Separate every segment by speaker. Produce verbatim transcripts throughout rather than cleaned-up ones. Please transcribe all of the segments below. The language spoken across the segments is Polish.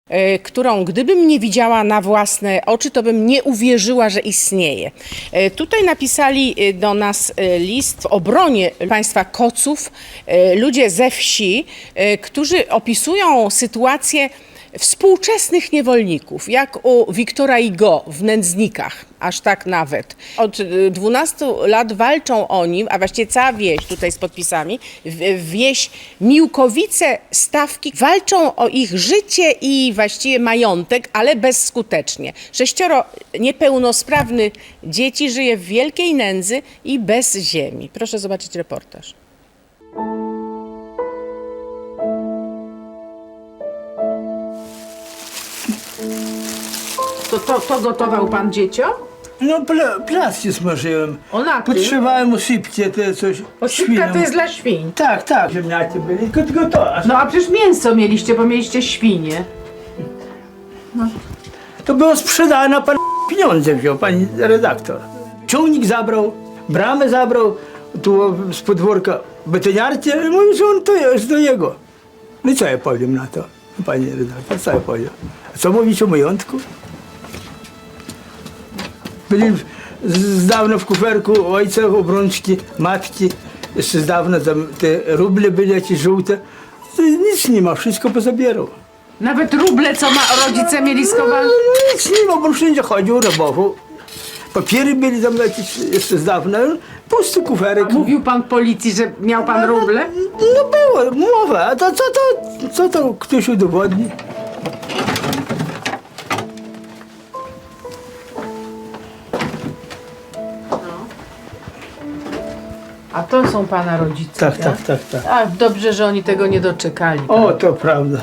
Speaker 1: którą gdybym nie widziała na własne oczy, to bym nie uwierzyła, że istnieje. Tutaj napisali do nas list w obronie państwa Koców ludzie ze wsi, którzy opisują sytuację współczesnych niewolników, jak u Wiktora Hugo w Nędznikach, aż tak nawet. Od dwunastu lat walczą o nim, a właściwie cała wieś tutaj z podpisami, wieś Miłkowice-Stawki, walczą o ich życie i właściwie majątek, ale bezskutecznie. Sześcioro niepełnosprawnych dzieci żyje w wielkiej nędzy i bez ziemi. Proszę zobaczyć reportaż. To, to, to gotował pan dzieciom?
Speaker 2: No pla, plasty smażyłem.
Speaker 1: O, na tym?
Speaker 2: Podszywałem osypcie, te coś.
Speaker 1: Osypka to jest dla świń.
Speaker 2: Tak, tak, ziemniacy byli, tylko, tylko to. A
Speaker 1: No a przecież mięso mieliście, bo mieliście świnie.
Speaker 2: to było sprzedane, pan pieniądze wziął, pani redaktor. Ciągnik zabrał, bramę zabrał, tu z podwórka betoniarcie, mówi, że on to jest do jego. No i co ja powiem na to, pani redaktor, co ja powiem? A co mówić o majątku? Byli z, z dawna w kuferku ojca, obrączki, matki, jeszcze z dawna tam te ruble byli jakieś żółte. To nic nie ma, wszystko pozabierał.
Speaker 1: Nawet ruble, co ma rodzice mieli schowane.
Speaker 2: No, nic nie ma, bo wszędzie chodził, rabował. Papiery byli tam jakieś jeszcze z dawna, pusty kuferek.
Speaker 1: A mówił pan policji, że miał pan ruble?
Speaker 2: No było, mowa, a to co to, co to ktoś udowodni?
Speaker 1: A to są pana rodzice.
Speaker 2: Tak, tak, tak, tak.
Speaker 1: A dobrze, że oni tego nie doczekali.
Speaker 2: O, to prawda.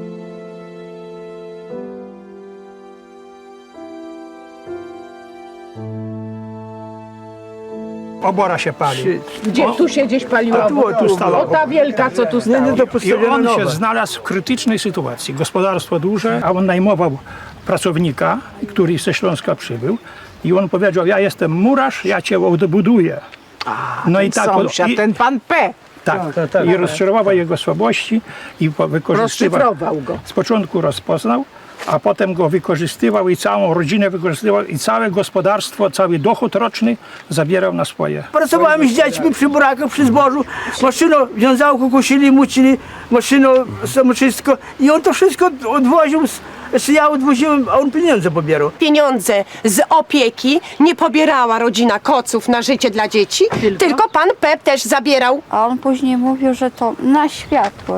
Speaker 3: Obora się pali.
Speaker 1: Gdzie tu się gdzieś paliło?
Speaker 2: A tu, tu stała.
Speaker 1: O, ta wielka, co tu
Speaker 2: Nie,
Speaker 1: stała.
Speaker 2: nie, to
Speaker 3: I
Speaker 2: postawiona
Speaker 3: on się
Speaker 2: nowa.
Speaker 3: znalazł w krytycznej sytuacji. Gospodarstwo duże, a on najmował pracownika, który ze Śląska przybył. I on powiedział, ja jestem murarz, ja cię odbuduję. No i tak,
Speaker 1: Sąsiad,
Speaker 3: i,
Speaker 1: ten pan P.
Speaker 3: tak,
Speaker 2: tak, tak,
Speaker 3: i
Speaker 2: tak.
Speaker 3: rozczarował jego słabości i po- wykorzystywał.
Speaker 1: Rozszyfrował go.
Speaker 3: Z początku rozpoznał, a potem go wykorzystywał i całą rodzinę wykorzystywał i całe gospodarstwo, cały dochód roczny zabierał na swoje.
Speaker 2: Pracowałem z dziećmi przy burakach, przy zbożu, maszyną, wiązałku kosili, mucili, maszyną, samoczystko i on to wszystko odwoził, z- jeszcze ja odwoziłem, a on pieniądze pobierał.
Speaker 4: Pieniądze z opieki nie pobierała rodzina Koców na życie dla dzieci, tylko, pan Pep też zabierał.
Speaker 5: A on później mówił, że to na światło.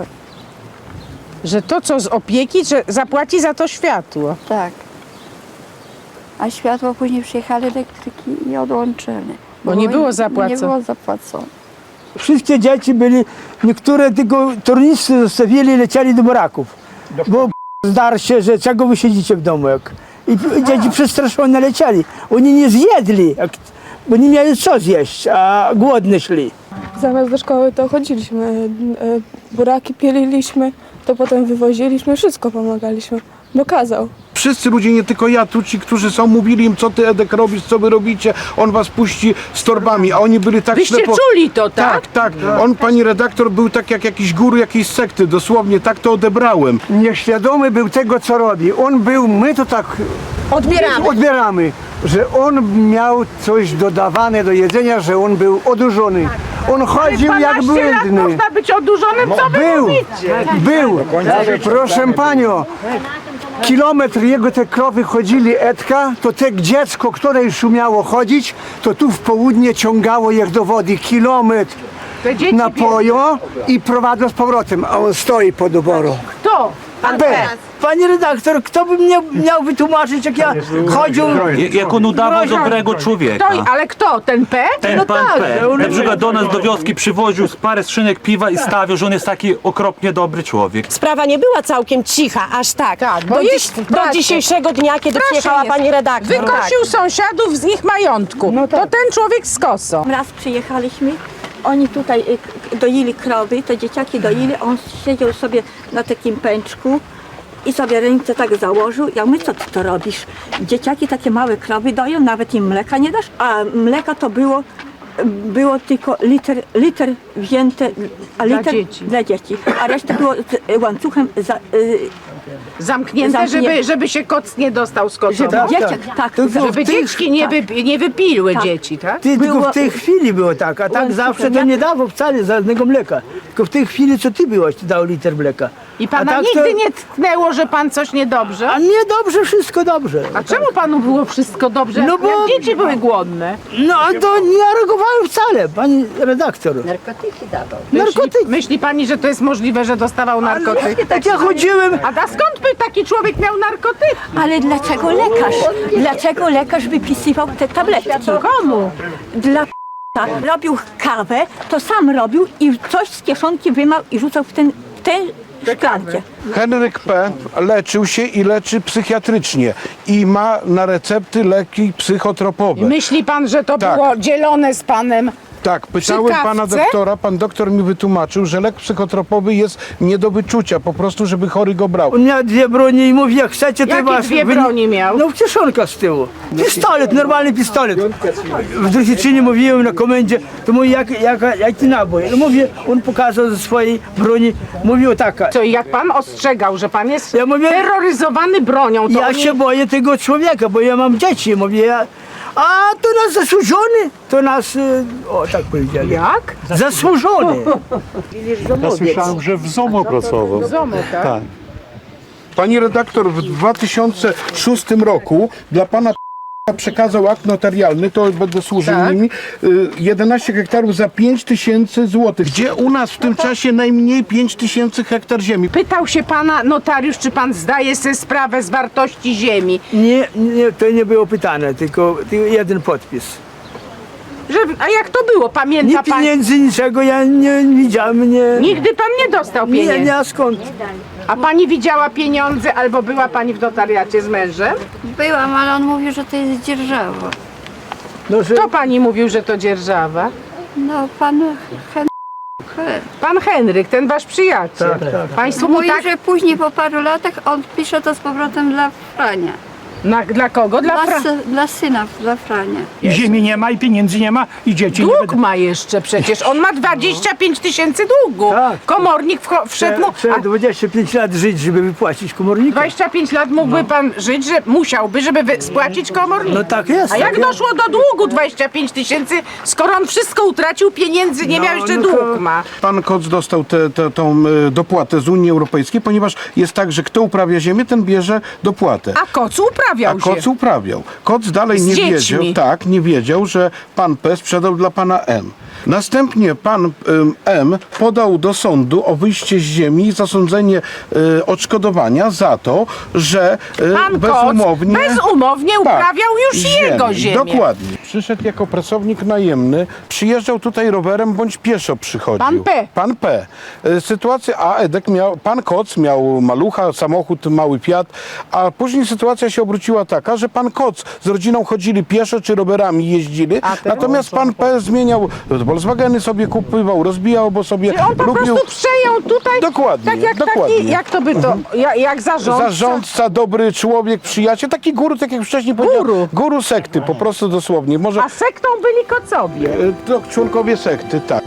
Speaker 1: Że to, co z opieki, że zapłaci za to światło.
Speaker 5: Tak. A światło później przyjechali elektryki i odłączyli.
Speaker 1: Bo nie było zapłacone.
Speaker 5: Nie było zapłacone.
Speaker 2: Wszystkie dzieci byli, niektóre tylko tornicy zostawili i lecieli do baraków. Bo zdarł się, że czego wy siedzicie w domu, jak... I p- dzieci przestraszone lecieli. Oni nie zjedli, jak... bo nie mieli co zjeść, a głodni szli.
Speaker 6: Zamiast do szkoły to chodziliśmy, e, buraki pieliliśmy, to potem wywoziliśmy, wszystko pomagaliśmy, bo kazał.
Speaker 7: Wszyscy ludzie, nie tylko ja, tu ci, którzy są, mówili im, co ty, Edek, robisz, co wy robicie, on was puści z torbami, a oni byli tak
Speaker 1: Wyście
Speaker 7: ślepo...
Speaker 1: czuli to, tak?
Speaker 7: Tak, tak. On, pani redaktor, był tak jak jakiś guru jakiejś sekty, dosłownie, tak to odebrałem.
Speaker 8: Nieświadomy był tego, co robi. On był, my to tak
Speaker 4: Odbieramy.
Speaker 8: odbieramy, że on miał coś dodawane do jedzenia, że on był odurzony. On chodził jak błędny.
Speaker 1: Można być odurzonym, co wy
Speaker 8: Był,
Speaker 1: mówicie?
Speaker 8: był. Proszę panią, kilometr jego te krowy chodzili Edka, to te dziecko, które już umiało chodzić, to tu w południe ciągało je do wody kilometr
Speaker 1: Te dzieci
Speaker 8: napoją i prowadzą z powrotem, a on stoi pod oborą.
Speaker 1: Kto?
Speaker 4: Pan
Speaker 8: P.
Speaker 4: Pep.
Speaker 2: Pani redaktor, kto by mnie miał wytłumaczyć, jak ja chodził...
Speaker 9: Jak on udawał dobrego człowieka.
Speaker 1: Kto? Ale kto? Ten P?
Speaker 9: Ten
Speaker 2: No
Speaker 9: pan
Speaker 2: tak,
Speaker 9: P.
Speaker 2: on-
Speaker 9: Na przykład do nas do wioski przywoził z parę skrzynek piwa i stawiał, że on jest taki okropnie dobry człowiek.
Speaker 4: Sprawa nie była całkiem cicha, aż tak.
Speaker 1: Tak, bo
Speaker 4: do,
Speaker 1: jest-
Speaker 4: do
Speaker 1: bracie.
Speaker 4: dzisiejszego dnia, kiedy
Speaker 1: Proszę
Speaker 4: przyjechała
Speaker 1: jest.
Speaker 4: pani redaktor.
Speaker 1: Wykosił sąsiadów z ich majątku. To ten człowiek z kosą.
Speaker 5: Raz przyjechaliśmy, oni tutaj y, k- doili krowy, te dzieciaki doili, on siedział sobie na takim pęczku i sobie ręce tak założył. Ja mówię, co ty to robisz? Dzieciaki takie małe krowy doją, nawet im mleka nie dasz, a mleka to było było tylko liter, liter wzięte, a liter
Speaker 1: dzieci.
Speaker 5: dla dzieci, a reszta było z łańcuchem za, y,
Speaker 1: Zamknięte,
Speaker 5: Zamknięte.
Speaker 1: żeby, żeby się koc nie dostał z kocą.
Speaker 5: Żeby
Speaker 2: Tak,
Speaker 5: dzieciak,
Speaker 2: tak.
Speaker 5: tak,
Speaker 2: Tylko
Speaker 5: tak.
Speaker 1: Żeby
Speaker 2: w tej-
Speaker 1: dzieci nie,
Speaker 5: tak.
Speaker 1: wy, nie wypiły
Speaker 5: Tak.
Speaker 1: dzieci, tak?
Speaker 2: Ty, tylko
Speaker 5: Było-
Speaker 2: w tej chwili było tak, a tak
Speaker 5: Byłem
Speaker 2: zawsze
Speaker 5: super.
Speaker 2: to
Speaker 5: Ja-
Speaker 2: nie dawał wcale żadnego mleka. Tylko w tej chwili, co ty byłaś, to dał liter mleka.
Speaker 1: I pana
Speaker 2: a tak
Speaker 1: nigdy
Speaker 2: to,
Speaker 1: nie tknęło, że pan coś niedobrze?
Speaker 2: A nie dobrze, wszystko dobrze.
Speaker 1: A czemu panu było wszystko dobrze,
Speaker 2: No
Speaker 1: jak,
Speaker 2: bo-
Speaker 1: jak dzieci były głodne?
Speaker 2: No to nie reagowałem wcale, pani redaktor.
Speaker 5: Narkotyki dawał.
Speaker 2: Narkotyki.
Speaker 1: Myśli, myśli pani, że to jest możliwe, że dostawał narkotyk?
Speaker 2: Tak ja chodziłem,
Speaker 1: A da skąd by taki człowiek miał narkotyk?
Speaker 5: Ale dlaczego lekarz? Dlaczego lekarz wypisywał te tabletki?
Speaker 1: Komu?
Speaker 5: Dla p***a. Robił kawę, to sam robił i coś z kieszonki wymał i rzucał w ten, w tę szklankę.
Speaker 7: Henryk P. leczył się i leczy psychiatrycznie i ma na recepty leki psychotropowe.
Speaker 1: Myśli pan, że to
Speaker 7: Tak.
Speaker 1: było dzielone z panem?
Speaker 7: Tak, pytałem
Speaker 1: Przy
Speaker 7: pana
Speaker 1: kawce?
Speaker 7: doktora, pan doktor mi wytłumaczył, że lek psychotropowy jest nie do wyczucia, po prostu, żeby chory go brał.
Speaker 2: on miał dwie broni i mówi, jak chcecie, to
Speaker 1: Jakie
Speaker 2: was...
Speaker 1: dwie
Speaker 2: wy-
Speaker 1: broni miał?
Speaker 2: No kieszonka z tyłu. Pistolet, normalny pistolet. W Dresiczynie mówiłem na komendzie, to mówi, jak, jak, jaki nabój. No mówię, on pokazał ze swojej broni, mówił taka.
Speaker 1: Co, i jak pan ostrzegał, że pan jest
Speaker 2: Ja mówię-
Speaker 1: terroryzowany bronią, to
Speaker 2: Ja
Speaker 1: oni...
Speaker 2: się boję tego człowieka, bo ja mam dzieci. Mówię, ja, a to nas zasłużony, to nas, y, o tak powiedzieli.
Speaker 1: Jak?
Speaker 2: Zasłużony.
Speaker 10: Ja słyszałem, że w ZOMO pracował.
Speaker 1: Zomo, tak?
Speaker 10: Tak.
Speaker 7: Pani redaktor w dwa tysiące szóstym roku dla pana przekazał akt notarialny, to będę służył
Speaker 1: Tak.
Speaker 7: nimi, y, jedenaście hektarów za pięć tysięcy złotych. Gdzie u nas w tym czasie najmniej pięć tysięcy hektar ziemi.
Speaker 1: Pytał się pana notariusz, czy pan zdaje sobie sprawę z wartości ziemi.
Speaker 2: Nie, nie, to nie było pytane, tylko, tylko jeden podpis.
Speaker 1: Że, a jak to było?
Speaker 2: Nie
Speaker 1: Pamięta pan?
Speaker 2: pieniędzy, niczego ja nie widziałem, nie.
Speaker 1: Nigdy pan nie dostał
Speaker 2: Nie,
Speaker 1: pieniędzy.
Speaker 2: nie, a skąd?
Speaker 1: A pani widziała pieniądze albo była pani w notariacie z mężem?
Speaker 11: Byłam, ale on mówił, że to jest dzierżawa.
Speaker 2: No, że,
Speaker 1: Kto pani mówił, że to dzierżawa?
Speaker 11: No, pan Hen...
Speaker 1: Pan Henryk, ten wasz przyjaciel.
Speaker 2: Tak, tak.
Speaker 1: Państwo mu
Speaker 11: Mówił,
Speaker 1: tak...
Speaker 11: że później po paru latach on pisze to z powrotem dla Frania.
Speaker 1: Na, dla kogo? Dla,
Speaker 11: Dla,
Speaker 1: Fra...
Speaker 11: sy, dla syna, dla Frania.
Speaker 3: I ziemi nie ma, i pieniędzy nie ma, i dzieci nie
Speaker 1: Dług
Speaker 3: będą.
Speaker 1: ma jeszcze przecież. On ma dwadzieścia pięć tysięcy długu.
Speaker 2: Tak.
Speaker 1: Komornik wcho- wszedł mu...
Speaker 2: trzeba
Speaker 1: A
Speaker 2: dwadzieścia pięć lat żyć, żeby wypłacić komornika.
Speaker 1: dwadzieścia pięć lat mógłby pan żyć, że musiałby, żeby wy- spłacić komornik.
Speaker 2: No tak jest.
Speaker 1: A jak
Speaker 2: tak jest.
Speaker 1: doszło do długu dwadzieścia pięć tysięcy, skoro on wszystko utracił, pieniędzy nie
Speaker 2: No,
Speaker 1: miał, jeszcze
Speaker 2: no to-
Speaker 1: dług ma?
Speaker 7: Pan Koc dostał tę te, tą e, dopłatę z Unii Europejskiej, ponieważ jest tak, że kto uprawia ziemię, ten bierze dopłatę.
Speaker 1: A kocu uprawiał
Speaker 7: A Koc
Speaker 1: się.
Speaker 7: uprawiał. Koc dalej
Speaker 1: Z
Speaker 7: nie
Speaker 1: dziećmi.
Speaker 7: wiedział, tak, nie wiedział, że pan P sprzedał dla pana M. Następnie pan ym, M podał do sądu o wyjście z ziemi i zasądzenie y, odszkodowania za to, że y,
Speaker 1: Pan
Speaker 7: bezumownie...
Speaker 1: Koc bezumownie uprawiał już jego ziemię.
Speaker 7: Dokładnie. Przyszedł jako pracownik najemny, przyjeżdżał tutaj rowerem bądź pieszo przychodził.
Speaker 1: Pan P.
Speaker 7: Pan P. Y, Sytuacja, a Edek miał, pan Koc miał malucha, samochód, mały Fiat, a później sytuacja się obróciła taka, że pan Koc z rodziną chodzili pieszo czy rowerami jeździli, natomiast pan P zmieniał, Volkswageny sobie kupywał, rozbijał, bo sobie
Speaker 1: Czyli on po
Speaker 7: lubił...
Speaker 1: prostu przejął tutaj,
Speaker 7: Dokładnie,
Speaker 1: tak jak
Speaker 7: dokładnie.
Speaker 1: taki, jak to by to, jak, jak zarządca.
Speaker 7: Zarządca, dobry człowiek, przyjaciel, taki guru, tak jak wcześniej powiedziałem.
Speaker 1: Guru.
Speaker 7: Guru sekty, po prostu dosłownie. Może
Speaker 1: A sektą byli kocowie.
Speaker 7: e, to członkowie sekty, tak.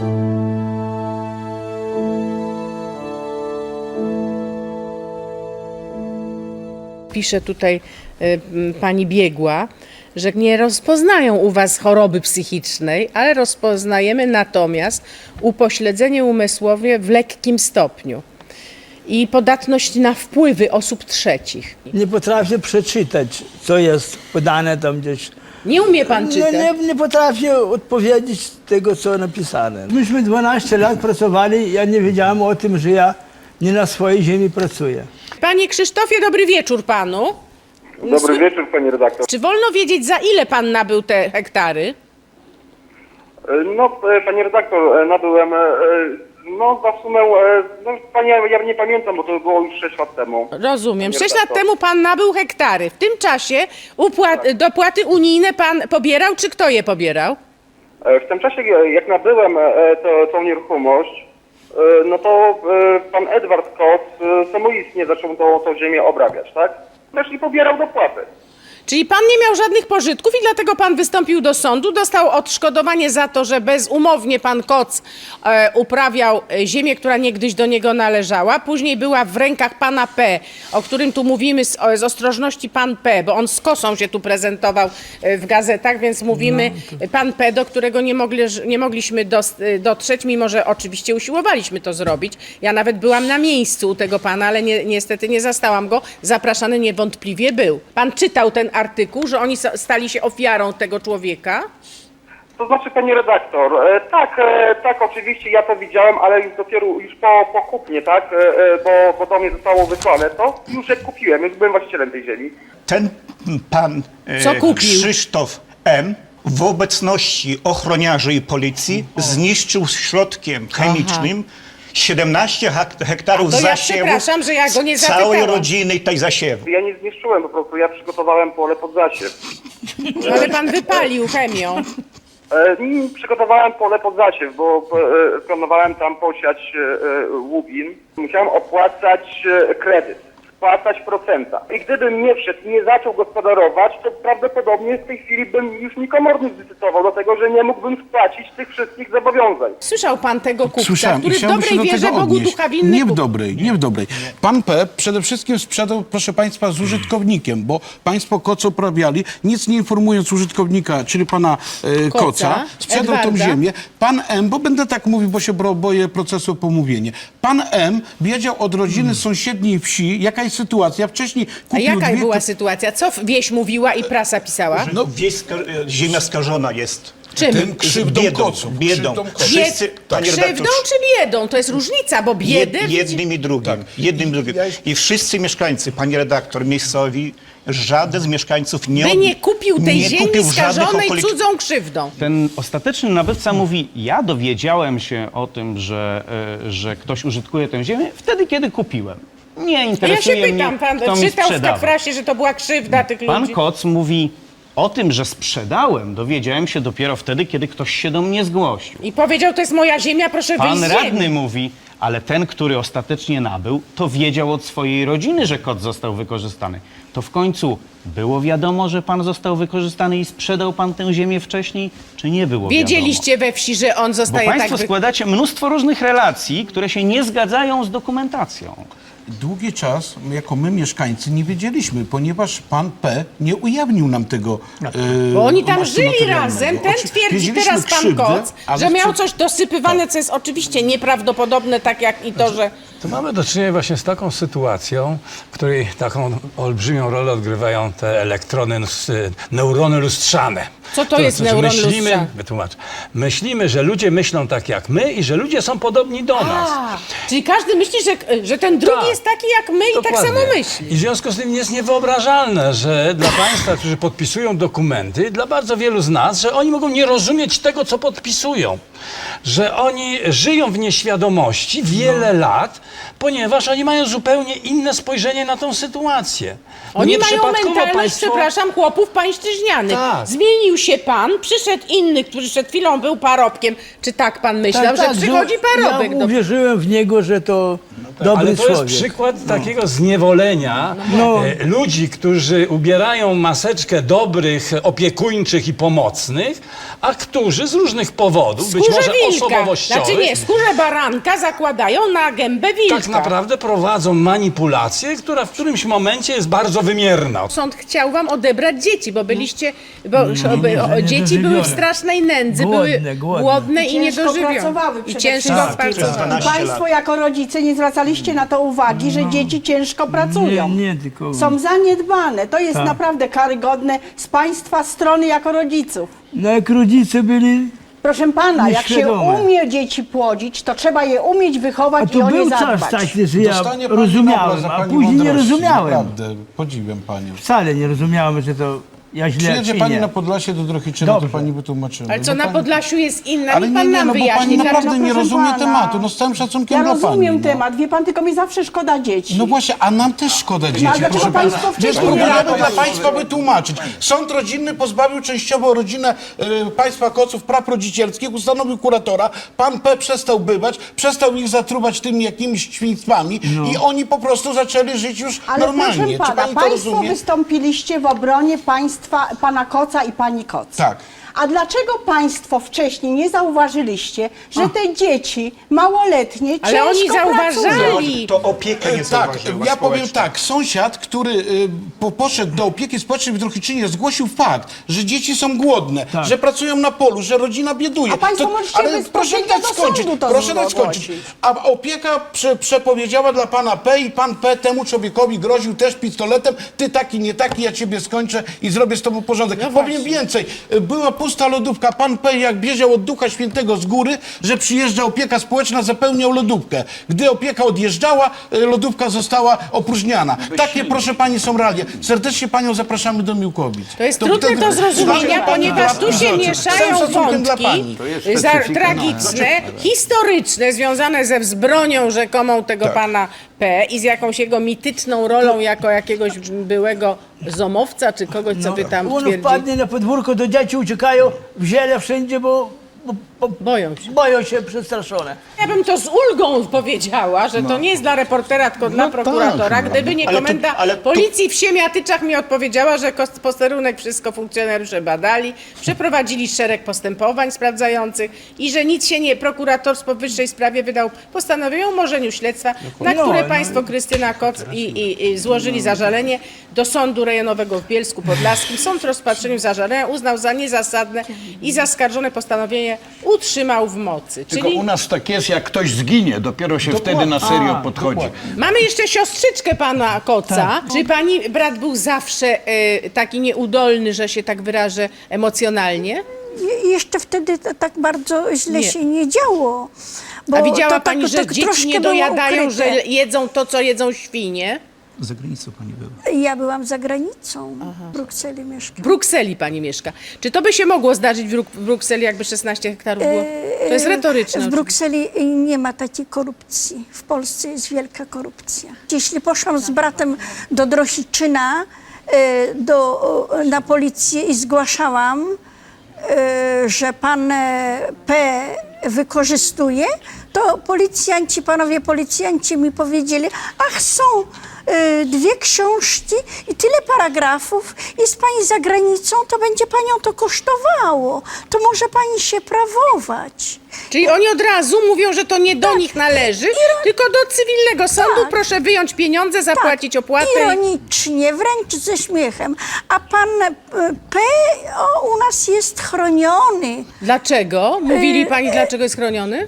Speaker 1: Pisze tutaj y, m, pani biegła, że nie rozpoznają u was choroby psychicznej, ale rozpoznajemy natomiast upośledzenie umysłowe w lekkim stopniu i podatność na wpływy osób trzecich.
Speaker 2: Nie potrafię przeczytać, co jest podane tam gdzieś.
Speaker 1: Nie umie pan
Speaker 2: Nie,
Speaker 1: czytać?
Speaker 2: nie, nie potrafię odpowiedzieć tego, co napisane. Myśmy dwanaście lat pracowali, ja nie wiedziałem o tym, że ja nie na swojej ziemi pracuję.
Speaker 1: Panie Krzysztofie, dobry wieczór panu.
Speaker 12: Dobry wieczór, pani redaktor.
Speaker 1: Czy wolno wiedzieć, za ile pan nabył te hektary?
Speaker 12: No, e, pani redaktor, e, nabyłem, e, no, za sumę, e, no, pani, ja nie pamiętam, bo to było już sześć lat temu.
Speaker 1: Rozumiem.
Speaker 12: Panie
Speaker 1: Sześć lat
Speaker 12: redaktor.
Speaker 1: temu pan nabył hektary. W tym czasie upłat, dopłaty unijne pan pobierał, czy kto je pobierał?
Speaker 12: E, W tym czasie, e, jak nabyłem e, to, tą nieruchomość, e, no to e, pan Edward Koc e, samoistnie zaczął tą, tą ziemię obrabiać, tak? Też i pobierał dopłaty.
Speaker 1: Czyli pan nie miał żadnych pożytków i dlatego pan wystąpił do sądu, dostał odszkodowanie za to, że bezumownie pan Koc e, uprawiał e, ziemię, która niegdyś do niego należała. Później była w rękach pana P., o którym tu mówimy z, o, z ostrożności pan P., bo on z kosą się tu prezentował e, w gazetach, więc mówimy no, to... pan P., do którego nie, mogli, nie mogliśmy dos, dotrzeć, mimo że oczywiście usiłowaliśmy to zrobić. Ja nawet byłam na miejscu u tego pana, ale nie, niestety nie zastałam go. Zapraszany niewątpliwie był. Pan czytał ten artykuł, że oni stali się ofiarą tego człowieka?
Speaker 12: To znaczy, pani redaktor, e, tak, e, tak, oczywiście ja to widziałem, ale już dopiero już po, po kupnie, tak, e, bo, bo do mnie zostało wysłane to, już jak kupiłem, już byłem właścicielem tej ziemi.
Speaker 13: Ten pan e,
Speaker 1: Co kupił?
Speaker 13: Krzysztof M. w obecności ochroniarzy i policji zniszczył środkiem chemicznym siedemnaście hektarów
Speaker 1: A to ja
Speaker 13: zasiewu
Speaker 1: przepraszam, że ja go nie
Speaker 13: całej
Speaker 1: zapytałam.
Speaker 13: rodziny tej zasiewu.
Speaker 12: Ja nie zniszczyłem po prostu, ja przygotowałem pole pod zasiew.
Speaker 1: No, ale pan wypalił chemią.
Speaker 12: E, mm, przygotowałem pole pod zasiew, bo e, planowałem tam posiać e, łubin. Musiałem opłacać e, kredyt, spłacać procenta. I gdybym nie wszedł, nie zaczął gospodarować, to prawdopodobnie w tej chwili bym już mi komornik zdecydował, dlatego że nie mógłbym spłacić tych wszystkich zobowiązań.
Speaker 1: Słyszał pan tego kupca,
Speaker 7: Słyszałem
Speaker 1: który
Speaker 7: i
Speaker 1: w
Speaker 7: chciałbym
Speaker 1: dobrej
Speaker 7: się do
Speaker 1: wierze
Speaker 7: tego
Speaker 1: Bogu
Speaker 7: odnieść.
Speaker 1: ducha winny
Speaker 7: Nie w
Speaker 1: kupił.
Speaker 7: dobrej, nie w dobrej. Pan P. przede wszystkim sprzedał, proszę państwa, z użytkownikiem, bo państwo Koc uprawiali, nic nie informując użytkownika, czyli pana e,
Speaker 1: Koca,
Speaker 7: Koca, sprzedał tą
Speaker 1: Edwarda.
Speaker 7: ziemię. Pan M., bo będę tak mówił, bo się bro- boję procesu o pomówienie. Pan M. wiedział od rodziny z sąsiedniej wsi, jaka jest sytuacja. Wcześniej
Speaker 1: A
Speaker 7: kupił
Speaker 1: jaka
Speaker 7: dwie...
Speaker 1: była sytuacja? Co wieś mówiła i prasa pisała?
Speaker 13: No, wieś, ska- ziemia skażona jest
Speaker 1: Czym?
Speaker 7: Tym krzywdą
Speaker 13: biedą,
Speaker 7: Koców.
Speaker 13: biedą.
Speaker 7: Krzywdą Koców.
Speaker 13: Wszyscy, panie
Speaker 1: Krzywdą
Speaker 13: redaktor,
Speaker 1: czy biedą? To jest różnica, bo biedy...
Speaker 13: Jed, jednym i drugim. Jednym i drugim. I wszyscy mieszkańcy, pani redaktor, miejscowi, żaden z mieszkańców nie,
Speaker 1: By nie kupił tej
Speaker 13: nie
Speaker 1: ziemi
Speaker 13: kupił żadnych
Speaker 1: skażonej
Speaker 13: okolic...
Speaker 1: cudzą krzywdą.
Speaker 14: Ten ostateczny nabywca mówi, ja dowiedziałem się o tym, że, e, że ktoś użytkuje tę ziemię wtedy, kiedy kupiłem. Nie
Speaker 1: A ja się
Speaker 14: interesuje
Speaker 1: pytam,
Speaker 14: mnie,
Speaker 1: pan
Speaker 14: kto mi
Speaker 1: czytał w
Speaker 14: sprzedawał.
Speaker 1: Kafrasie, że to była krzywda tych
Speaker 14: Pan
Speaker 1: ludzi.
Speaker 14: Koc mówi, o tym, że sprzedałem, dowiedziałem się dopiero wtedy, kiedy ktoś się do mnie zgłosił.
Speaker 1: I powiedział, to jest moja ziemia, proszę wyjść
Speaker 14: Pan
Speaker 1: z
Speaker 14: radny
Speaker 1: ziemi.
Speaker 14: mówi, ale ten, który ostatecznie nabył, to wiedział od swojej rodziny, że kot został wykorzystany. To w końcu było wiadomo, że pan został wykorzystany i sprzedał pan tę ziemię wcześniej, czy nie było
Speaker 1: Wiedzieliście we wsi, że on
Speaker 14: wiadomo? Bo
Speaker 1: zostaje
Speaker 14: państwo
Speaker 1: tak... Wy...
Speaker 14: składacie mnóstwo różnych relacji, które się nie zgadzają z dokumentacją.
Speaker 7: Długi czas, jako my mieszkańcy, nie wiedzieliśmy, ponieważ pan P. nie ujawnił nam tego e,
Speaker 1: Bo oni tam
Speaker 7: masu
Speaker 1: żyli
Speaker 7: materialnego.
Speaker 1: razem. Ten
Speaker 7: Oczy-
Speaker 1: twierdzi
Speaker 7: wiedzieliśmy
Speaker 1: teraz pan
Speaker 7: krzywdę,
Speaker 1: Koc,
Speaker 7: ale
Speaker 1: że miał
Speaker 7: przed-
Speaker 1: coś dosypywane, co jest oczywiście nieprawdopodobne, tak jak i to, że...
Speaker 15: To mamy do czynienia właśnie z taką sytuacją, w której taką olbrzymią rolę odgrywają te elektrony, lus- neurony lustrzane.
Speaker 1: Co to jest neuron
Speaker 15: myślimy,
Speaker 1: lustrzany?
Speaker 15: Wytłumacz. Myślimy, że ludzie myślą tak jak my i że ludzie są podobni do nas.
Speaker 1: A, czyli każdy myśli, że, że ten drugi
Speaker 15: Tak.
Speaker 1: jest taki jak my i tak
Speaker 15: Dokładnie.
Speaker 1: samo myśli.
Speaker 15: I w związku z tym jest niewyobrażalne, że dla państwa, którzy podpisują dokumenty, dla bardzo wielu z nas, że oni mogą nie rozumieć tego, co podpisują. Że oni żyją w nieświadomości wiele lat, ponieważ oni mają zupełnie inne spojrzenie na tą sytuację. Bo
Speaker 1: Oni mają
Speaker 15: nieprzypadkowo
Speaker 1: mentalność,
Speaker 15: państwo-
Speaker 1: przepraszam, chłopów pańszczyźnianych.
Speaker 15: Tak.
Speaker 1: Zmienił się pan, przyszedł inny, który przed chwilą był parobkiem. Czy tak pan myślał, że przychodzi parobek?
Speaker 2: Ja
Speaker 1: do...
Speaker 2: uwierzyłem w niego, że to dobry
Speaker 15: Ale to
Speaker 2: człowiek.
Speaker 15: jest przykład takiego zniewolenia
Speaker 2: No.
Speaker 15: e, ludzi, którzy ubierają maseczkę dobrych, opiekuńczych i pomocnych, a którzy z różnych powodów, być
Speaker 1: Skórze
Speaker 15: może
Speaker 1: wilka.
Speaker 15: osobowościowych,
Speaker 1: Znaczy nie, skórze baranka zakładają na gębę wilka.
Speaker 15: tak naprawdę prowadzą manipulację, która w którymś momencie jest bardzo wymierna.
Speaker 1: Sąd chciał wam odebrać dzieci, bo byliście, bo
Speaker 2: nie,
Speaker 1: o,
Speaker 2: że
Speaker 1: dzieci były w
Speaker 2: niedożywione.
Speaker 1: strasznej nędzy,
Speaker 2: Głodne,
Speaker 1: były
Speaker 2: głodne.
Speaker 1: głodne i,
Speaker 4: I ciężko
Speaker 1: niedożywione.
Speaker 4: pracowały
Speaker 1: I
Speaker 4: przede
Speaker 1: ciężko
Speaker 4: wszystkim.
Speaker 1: pracowały.
Speaker 4: I państwo jako rodzice nie zwracaliście na to uwagi, że dzieci ciężko pracują.
Speaker 2: Nie, nie, tylko...
Speaker 4: Są zaniedbane. To jest
Speaker 2: Tak.
Speaker 4: naprawdę karygodne z państwa strony jako rodziców.
Speaker 2: No jak rodzice byli...
Speaker 4: Proszę pana, jak się
Speaker 2: Nieświadome.
Speaker 4: umie dzieci płodzić, to trzeba je umieć
Speaker 2: A
Speaker 4: wychować i
Speaker 2: to
Speaker 4: o nie
Speaker 2: był czas
Speaker 4: zadbać.
Speaker 2: taki, że ja
Speaker 7: Dostanie pani
Speaker 2: rozumiałem,
Speaker 7: Nobla za
Speaker 2: a
Speaker 7: pani
Speaker 2: później nie
Speaker 7: mądrości.
Speaker 2: rozumiałem.
Speaker 7: Naprawdę, podziwiam panią.
Speaker 2: Wcale nie rozumiałem, że to Ja źle
Speaker 7: Przyjedzie
Speaker 2: czy
Speaker 7: pani
Speaker 2: nie?
Speaker 7: na Podlasie do Drohiczyna, to
Speaker 2: Dobrze.
Speaker 7: pani wytłumaczyła.
Speaker 1: Ale co,
Speaker 7: Bo
Speaker 1: na
Speaker 7: pani-
Speaker 1: Podlasiu jest inna,
Speaker 7: Ale
Speaker 1: niech
Speaker 7: nie,
Speaker 1: pan
Speaker 7: nie,
Speaker 1: nam
Speaker 7: no bo
Speaker 1: wyjaśni.
Speaker 7: pani
Speaker 1: Dlaczego-
Speaker 7: naprawdę nie
Speaker 4: proszę
Speaker 7: rozumie
Speaker 4: pana.
Speaker 7: tematu, no z całym szacunkiem
Speaker 4: Ja
Speaker 7: dla
Speaker 4: rozumiem
Speaker 7: pani. no.
Speaker 4: temat, wie pan, tylko mi zawsze szkoda dzieci.
Speaker 7: No właśnie, a nam też szkoda dzieci.
Speaker 4: a dlaczego
Speaker 7: proszę
Speaker 4: państwo
Speaker 7: pana.
Speaker 4: wcześniej
Speaker 7: Bez
Speaker 4: nie
Speaker 7: problemu
Speaker 4: reagowali?
Speaker 7: dla państwa wytłumaczyć. Sąd rodzinny pozbawił częściowo rodzinę y, państwa Koców praw rodzicielskich, ustanowił kuratora, pan P. przestał bywać, przestał ich zatrubać tymi jakimiś świństwami i oni po prostu zaczęli żyć już
Speaker 4: Ale
Speaker 7: normalnie.
Speaker 4: proszę
Speaker 7: Czy
Speaker 4: pana,
Speaker 7: pani to
Speaker 4: państwo
Speaker 7: rozumie?
Speaker 4: wystąpiliście w obronie państwa, pana Koca i pani Koc.
Speaker 7: Tak.
Speaker 4: A dlaczego państwo wcześniej nie zauważyliście, że te dzieci małoletnie
Speaker 1: Ale
Speaker 4: ciężko
Speaker 1: oni zauważali.
Speaker 13: To opiekę nie
Speaker 7: Tak,
Speaker 13: zauważyła
Speaker 7: ja powiem
Speaker 13: społeczna.
Speaker 7: tak, sąsiad, który y, po, poszedł do opieki społecznej w Drohiczynie, zgłosił fakt, że dzieci są głodne, że pracują na polu, że rodzina bieduje.
Speaker 4: A państwo możecie
Speaker 7: ale proszę
Speaker 4: bezpośrednio
Speaker 7: dać
Speaker 4: do
Speaker 7: skończyć,
Speaker 4: sądu to
Speaker 7: proszę dać
Speaker 4: zgłosić.
Speaker 7: skończyć. A opieka prze, przepowiedziała dla pana P i pan P temu człowiekowi groził też pistoletem, ty taki, nie taki, ja ciebie skończę i zrobię z tobą porządek. Powiem więcej, y, była pusta lodówka, pan P jak bieżał od Ducha Świętego z góry, że przyjeżdża opieka społeczna, zapełniał lodówkę. Gdy opieka odjeżdżała, y, lodówka została opróżniana. Takie, proszę pani, są realia. Serdecznie panią zapraszamy do Miłkowic.
Speaker 1: To jest trudne do zrozumienia, ponieważ tu się mieszają wątki za, tragiczne, historyczne, związane ze wzbronią rzekomą tego pana P. i z jakąś jego mityczną rolą jako jakiegoś byłego zomowca, czy kogoś, co by tam
Speaker 2: On
Speaker 1: twierdzi.
Speaker 2: wpadnie na podwórko, do dzieci uciekają w ziele wszędzie, bo, bo, bo
Speaker 1: Boją się.
Speaker 2: boją się przestraszone.
Speaker 1: Ja bym to z ulgą powiedziała, że to nie jest dla reportera, tylko dla prokuratora. Gdyby nie
Speaker 13: Ale to-
Speaker 1: komenda
Speaker 13: ale to-
Speaker 1: policji w Siemiatyczach mi odpowiedziała, że kos- posterunek wszystko funkcjonariusze badali, przeprowadzili szereg postępowań sprawdzających i że nic się nie, prokurator w powyższej sprawie wydał postanowienie o umorzeniu śledztwa, na
Speaker 2: No,
Speaker 1: które
Speaker 2: no.
Speaker 1: państwo Krystyna Koc i, i, i złożyli zażalenie do Sądu Rejonowego w Bielsku Podlaskim. Sąd w rozpatrzeniu zażalenia uznał za niezasadne i zaskarżone postanowienie utrzymał w mocy.
Speaker 16: Tylko
Speaker 1: Czyli
Speaker 16: u nas tak jest, jak ktoś zginie, dopiero się wtedy na serio
Speaker 2: A,
Speaker 16: podchodzi.
Speaker 1: mamy jeszcze siostrzyczkę pana Koca.
Speaker 2: Tak.
Speaker 1: Czy pani brat był zawsze e, taki nieudolny, że się tak wyrażę, emocjonalnie?
Speaker 17: Je- Jeszcze wtedy to tak bardzo źle
Speaker 1: Nie.
Speaker 17: się nie działo. Bo
Speaker 1: A widziała
Speaker 17: to,
Speaker 1: pani,
Speaker 17: tak,
Speaker 1: że
Speaker 17: tak
Speaker 1: dzieci
Speaker 17: troszkę
Speaker 1: nie
Speaker 17: było
Speaker 1: dojadają, że
Speaker 17: ukryte.
Speaker 1: jedzą to, co jedzą świnie?
Speaker 13: Za granicą pani była.
Speaker 17: Ja byłam za granicą, w Brukseli
Speaker 1: W
Speaker 17: mieszkam.
Speaker 1: Brukseli pani mieszka. Czy to by się mogło zdarzyć w, Bruk- w Brukseli, jakby szesnaście hektarów było? To jest retoryczne.
Speaker 17: W
Speaker 1: oczywiście.
Speaker 17: Brukseli nie ma takiej korupcji. W Polsce jest wielka korupcja. Jeśli poszłam z bratem do Drohiczyna, e, do, na policję i zgłaszałam, e, że pan e, P wykorzystuje, to policjanci, panowie policjanci mi powiedzieli, ach są e, dwie książki i tyle paragrafów, jest pani za granicą, to będzie panią to kosztowało, to może pani się prawować.
Speaker 1: Czyli oni od razu mówią, że to nie do nich należy, tylko do cywilnego sądu.
Speaker 17: Tak.
Speaker 1: Proszę wyjąć pieniądze, zapłacić opłatę. i-
Speaker 17: Ironicznie, wręcz ze śmiechem. A pan e, P o, u nas jest chroniony.
Speaker 1: Dlaczego? Mówili pani, dlaczego jest chroniony?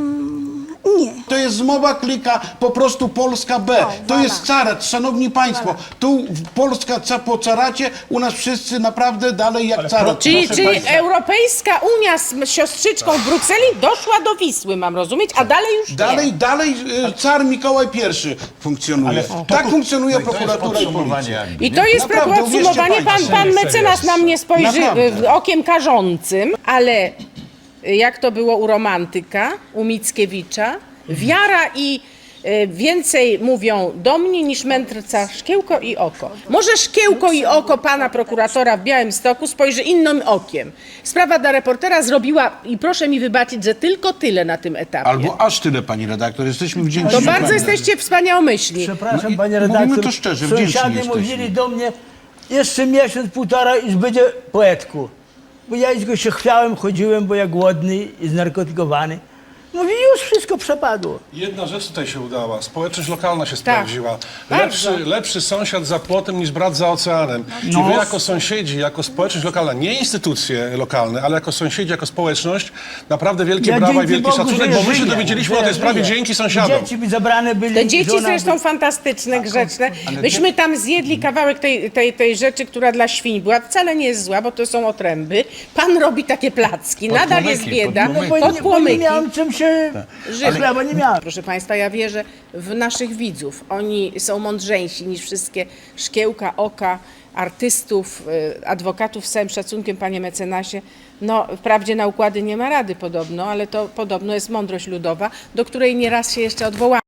Speaker 17: Nie.
Speaker 7: To jest zmowa klika, po prostu Polska B. To jest carat, szanowni państwo. Tu w- Polska ca po caracie, u nas wszyscy naprawdę dalej jak carat.
Speaker 1: Czyli,
Speaker 7: Proszę
Speaker 1: czyli
Speaker 7: państwa.
Speaker 1: Europejska Unia z siostrzyczką w Brukseli doszła do Wisły, mam rozumieć, a dalej już nie.
Speaker 7: Dalej, dalej y, car Mikołaj I funkcjonuje. Tak funkcjonuje
Speaker 16: No to jest
Speaker 7: prokuratura i
Speaker 16: podsumowanie
Speaker 7: policja.
Speaker 16: jakby,
Speaker 1: I
Speaker 16: nie?
Speaker 1: to jest
Speaker 7: Naprawdę,
Speaker 1: podsumowanie.
Speaker 7: uwierzcie
Speaker 1: Pan,
Speaker 7: państwo.
Speaker 1: pan mecenas na mnie spojrzy
Speaker 7: Naprawdę.
Speaker 1: y, okiem karzącym, ale y, jak to było u romantyka, u Mickiewicza, wiara i y, więcej mówią do mnie niż mędrca szkiełko i oko. Może szkiełko i oko pana prokuratora w Białymstoku spojrzy innym okiem. Sprawa dla reportera zrobiła, i proszę mi wybaczyć, że tylko tyle na tym etapie.
Speaker 7: Albo aż tyle, pani redaktor. Jesteśmy wdzięczni.
Speaker 1: To
Speaker 7: że
Speaker 1: bardzo
Speaker 7: pani-
Speaker 1: jesteście wspaniałomyślni.
Speaker 2: Przepraszam,
Speaker 7: No i
Speaker 2: panie
Speaker 7: mówimy
Speaker 2: redaktor.
Speaker 7: to szczerze, wdzięczni
Speaker 2: Sąsiady
Speaker 7: jesteśmy.
Speaker 2: mówili do mnie, jeszcze miesiąc, półtora i będzie poetku. Bo ja tylko się chwiałem, chodziłem, bo ja głodny i znarkotykowany. Mówi, już wszystko przepadło.
Speaker 10: Jedna rzecz tutaj się udała. Społeczność lokalna się sprawdziła.
Speaker 1: bardzo.
Speaker 10: Lepszy, lepszy sąsiad za płotem niż brat za oceanem. I wy jako sąsiedzi, jako społeczność lokalna, nie instytucje lokalne, ale jako sąsiedzi, jako społeczność, naprawdę wielkie
Speaker 2: Ja
Speaker 10: brawa i
Speaker 2: dzięki
Speaker 10: wielki
Speaker 2: Bogu,
Speaker 10: szacunek,
Speaker 2: że
Speaker 10: bo my się
Speaker 2: żyję,
Speaker 10: dowiedzieliśmy
Speaker 2: że
Speaker 10: o tej sprawie
Speaker 2: żyję.
Speaker 10: dzięki sąsiadom.
Speaker 2: Dzieci mi zabrane byli.
Speaker 1: Te dzieci
Speaker 2: żona
Speaker 1: zresztą
Speaker 2: by-
Speaker 1: fantastyczne, grzeczne. Myśmy tam zjedli kawałek tej, tej, tej rzeczy, która dla świń była. Wcale nie jest zła, bo to są otręby. Pan robi takie placki, nadal jest
Speaker 16: Podpłomyki,
Speaker 1: bieda.
Speaker 2: No bo, nie, bo nie
Speaker 1: Podpłomyki.
Speaker 2: miałem czym się się
Speaker 1: Żyli.
Speaker 2: chleba nie miałem.
Speaker 1: Proszę Państwa, ja wierzę w naszych widzów. Oni są mądrzejsi niż wszystkie szkiełka oka artystów, y, adwokatów. Z całym szacunkiem, panie mecenasie. No, wprawdzie na układy nie ma rady podobno, ale to podobno jest mądrość ludowa, do której nieraz się jeszcze odwołamy.